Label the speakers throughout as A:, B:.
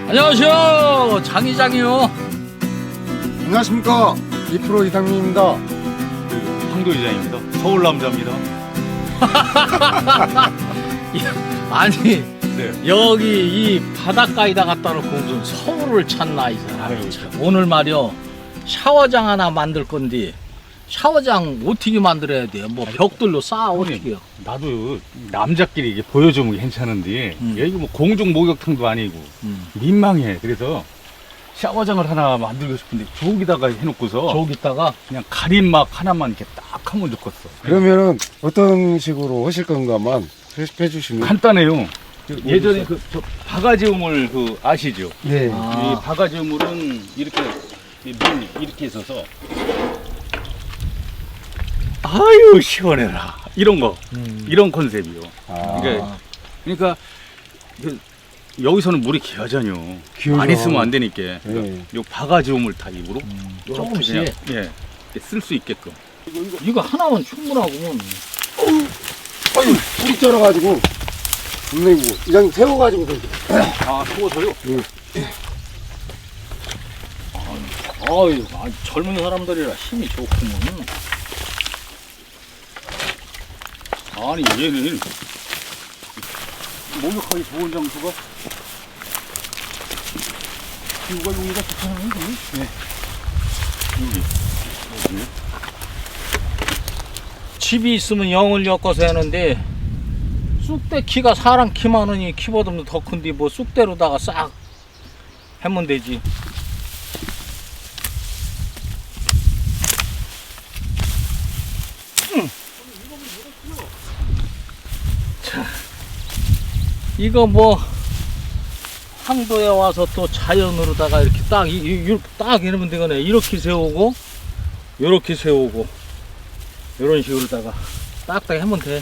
A: 안녕하세요, 장이장이요.
B: 안녕하십니까, 2프로 이상민입니다.
C: 황도 이장입니다. 서울 남자입니다.
A: 아니,
C: 네.
A: 여기 이 바닷가에다 갖다 놓고 무슨 서울을 찾나 이 사람.
C: 아유,
A: 참. 오늘 말이요, 샤워장 하나 만들 건데 샤워장 어떻게 만들어야 돼요? 뭐 벽돌로 쌓아 어떻게요?
C: 나도 남자끼리 이게 보여주면 괜찮은데 여기 뭐 공중 목욕탕도 아니고 민망해. 그래서 샤워장을 하나 만들고 싶은데 저기다가 해놓고서
A: 저기다가
C: 그냥 가림막 하나만 이렇게 딱 하면 좋겠어.
B: 그러면은 어떤 식으로 하실 건가만 해 주시면.
C: 간단해요. 예전에 저 바가지 우물 아시죠?
B: 네.
A: 아.
C: 이 바가지 우물은 이렇게 문 이렇게 있어서 아유 시원해라 이런 거 이런 컨셉이요.
B: 아.
C: 그러니까 여기서는 물이 귀하잖요.
B: 귀하죠.
C: 많이 쓰면 안 되니까.
B: 네.
C: 요 바가지 우물 타입으로
A: 조금씩.
C: 예, 쓸 수 있게끔.
A: 이거 하나면 충분하구먼.
B: 아유, 불이 쩔어가지고. 분명히 이장 세워가지고.
C: 아 추워서요?
A: 아유, 젊은 사람들이라 힘이 좋구먼.
C: 아니 얘는 목욕하기 좋은 장소가 기후가 여기가 좋잖아요. 네. 여기.
A: 집이 있으면 영을 엮어서 하는데 쑥대 키가 사람 키 많으니 키보다 더 큰데 뭐 쑥대로다가 싹 하면 되지. 자, 이거 뭐 항도에 와서 또 자연으로다가 이렇게 딱 이러면 되거네. 이렇게 세우고 요렇게 세우고 이런 식으로다가 딱딱 하면 돼.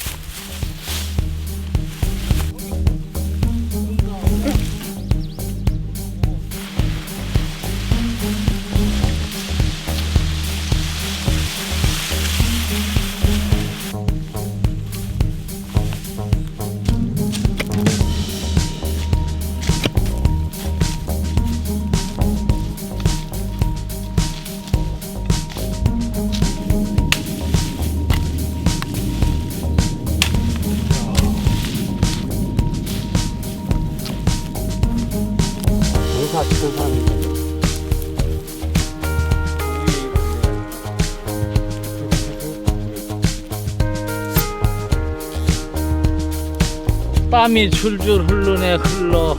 B: 장사 치던 사람입니다.
A: 땀이 줄줄 흐르네 흘러.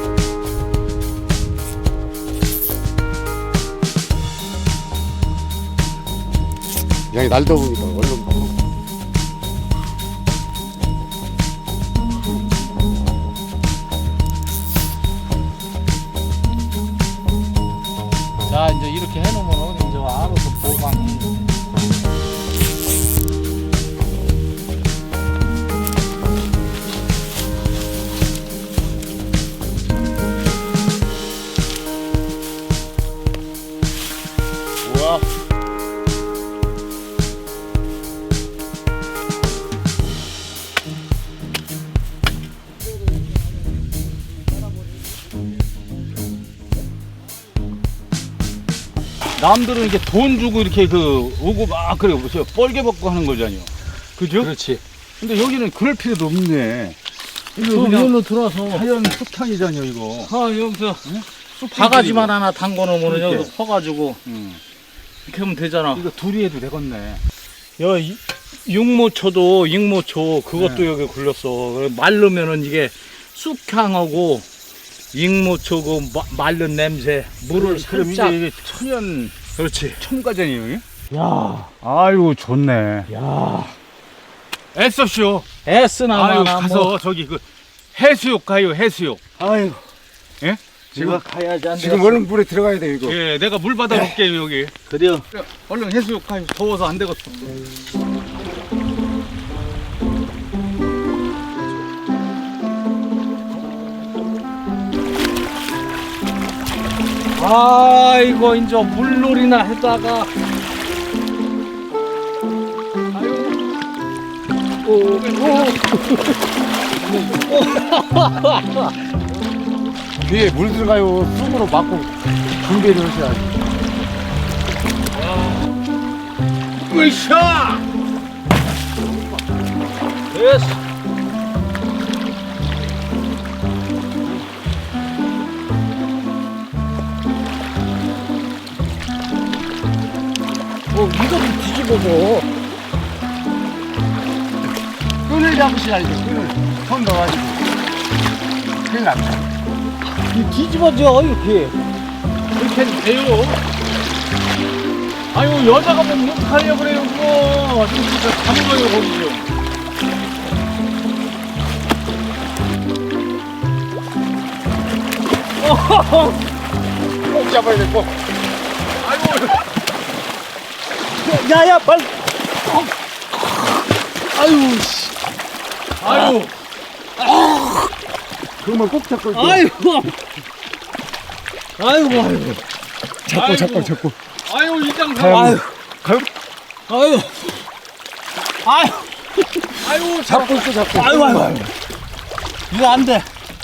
B: 이장이 날 더우니까 얼른 먹어.
A: 자, 이제 이렇게 해놓으면 이제 알아서 보강해. 우와.
C: 남들은 이렇게 돈 주고 이렇게 오고 막 그래 보세요. 뻘개 벗고 하는 거잖아요. 그죠?
A: 그렇지.
C: 근데 여기는 그럴 필요도 없네. 이거
A: 저
C: 그냥
A: 위로 들어와서
C: 자연 숲탕이잖아요, 이거.
A: 여기서
C: 숲
A: 바가지만 하나 담궈 놓으면
C: 그렇게.
A: 여기서 퍼가지고 이렇게 하면 되잖아.
C: 이거 둘이 해도 되겠네.
A: 육모초도 익모초 그것도
C: 네.
A: 여기 굴렸어. 마르면은 이게 쑥향하고 익모초고 마른 냄새 물을
C: 그럼
A: 살짝.
C: 이제 이게 천연
A: 그렇지.
C: 첨가잖아요. 이게?
A: 야,
C: 아이고 좋네.
A: 야.
C: 애써쇼.
A: 애쓰나마나
C: 아유 가서 저기 해수욕 가요, 해수욕.
A: 아유,
C: 예?
A: 지금 가야지 안
B: 지금 얼른 물에 들어가야 돼, 이거.
C: 예, 내가 물 받아 놓을게요 여기.
A: 그래요.
C: 얼른 해수욕 가요. 더워서 안 되겠어.
A: 아이고 이제 물놀이나 하다가
B: 뒤에 물 들어가요. 쑥으로 막고 분배를 하셔야지.
A: 으쌰! 됐어. 이거를 뒤집어서.
B: 끈을 잡으셔야지. 끈을 손 넣어가지고. 큰일 났다.
A: 뒤집어져, 이렇게. 이렇게 돼요. 아유, 여자가 뭐 못하려고 그래요, 그거. 진짜 담가요, 거기요.
B: 꼭 잡아야 돼, 꼭.
A: 야야, 빨리. 아유, 씨. 아유.
B: 그러면 꼭 잡고 있고.
A: 아이고. 아이고.
B: 잡고.
A: 아유, 이장
B: 가요.
A: 아유.
B: 가요.
A: 아유. 아유. 아유,
B: 잡고 있어, 잡고.
A: 아유. 이거 안 돼.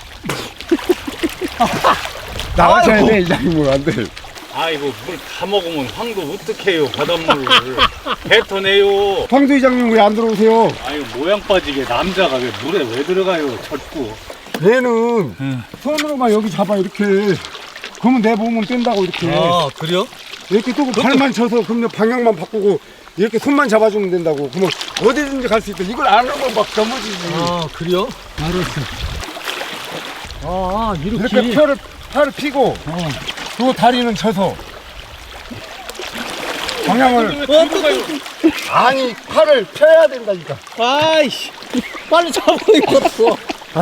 B: 나가셔야
A: 아이고.
B: 돼, 이장님은 안 돼.
C: 아이고 물 다 먹으면 황도 어떡해요 바닷물을 뱉어내요.
B: 황도 이장님 왜 안 들어오세요?
C: 아유 모양 빠지게 남자가 왜 물에 왜 들어가요 젖고.
B: 얘는 손으로만 여기 잡아, 이렇게. 그러면 내 몸은 뗀다고, 이렇게.
A: 그래요?
B: 이렇게 또 발만 쳐서 그러면 방향만 바꾸고 이렇게 손만 잡아주면 된다고. 그러면 어디든지 갈 수 있다. 이걸 안 하면 막 넘어지지.
A: 그래요? 알았어.
B: 이렇게 팔을 피고 또 다리는 쳐서 방향을 아니 팔을 펴야 된다니까.
A: 아이씨, 빨리 잡고 있었어.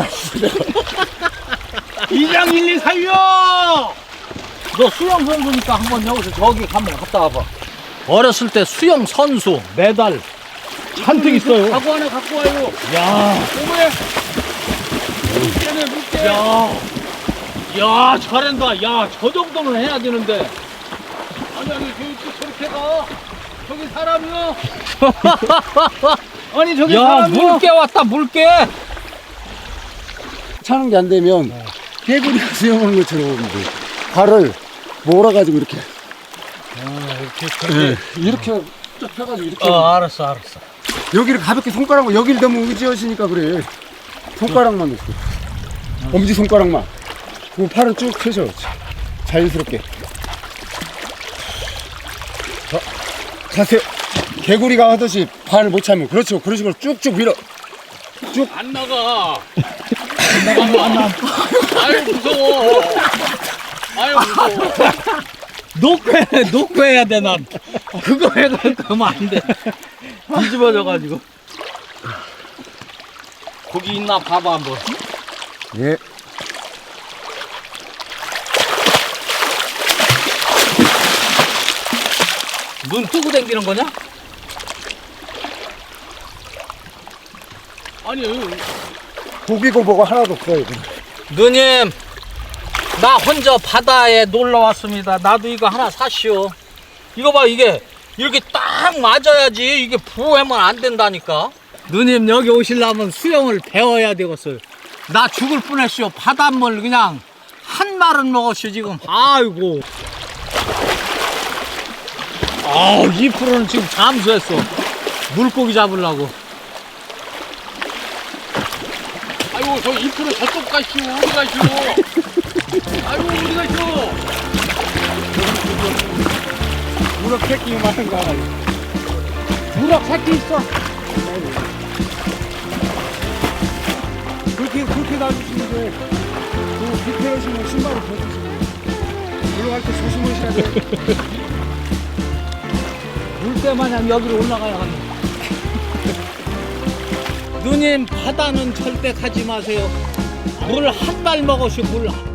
A: 이장 1, 2 살려! 너 수영 선수니까 한번 여기서 저기 한번 갔다 와봐. 어렸을 때 수영 선수 메달 잔뜩 있어요.
C: 가구 하나 갖고 와요.
A: 야,
C: 오메 물개네 물개.
A: 야, 잘한다. 야, 저 정도는 해야 되는데.
C: 아니 저렇게 가. 저기 사람이요. 아니 저기
A: 야,
C: 사람이요.
A: 물개 왔다, 물개.
B: 차는 게 안 되면 개구리가 수영하는 것처럼 이제 발을 몰아가지고 이렇게 이렇게 쭉 펴가지고 이렇게
A: 알았어.
B: 여기를 가볍게 손가락으로 여기를 너무 의지하시니까 그래. 손가락만 놓고 엄지 손가락만. 그리고 팔은 쭉 펴셔. 자연스럽게. 자, 자세. 개구리가 하듯이 발을 못 차면 그렇죠. 그런 식으로 쭉쭉 밀어.
C: 안 나가. 안 나가. 아유 무서워. 아유 무서워.
A: 놓고 해야 돼, 난. 그거 해가면 안 돼. 뒤집어져가지고. 고기 있나 봐봐, 한번.
B: 예.
A: 눈 뜨고 당기는 거냐?
C: 아니
B: 고기고 뭐고 하나도 없어요.
A: 누님, 나 혼자 바다에 놀러 왔습니다. 나도 이거 하나 사시오. 이거 봐, 이게 이렇게 딱 맞아야지. 이게 부으면 안 된다니까. 누님, 여기 오시려면 수영을 배워야 되겠어요. 나 죽을 뻔했시오. 바닷물 그냥 한 말은 먹었시오 지금. 아이고. 아우, 2%는 지금 잠수했어. 물고기 잡으려고.
C: 아이고 저 2% 저쪽 가시오. 어디 가시오. 아이고 어디 가시오.
B: 우럭 새끼 많은 거 하나.
A: 우럭 새끼 있어.
B: 그렇게 놔주시면 돼. 그 밑에 오시면 신발을 벗으시고 올라갈 때 조심하셔야 돼.
A: 물때마냥 여기로 올라가야 합니다. 누님, 바다는 절대 가지 마세요. 물 한 발 먹으시고 물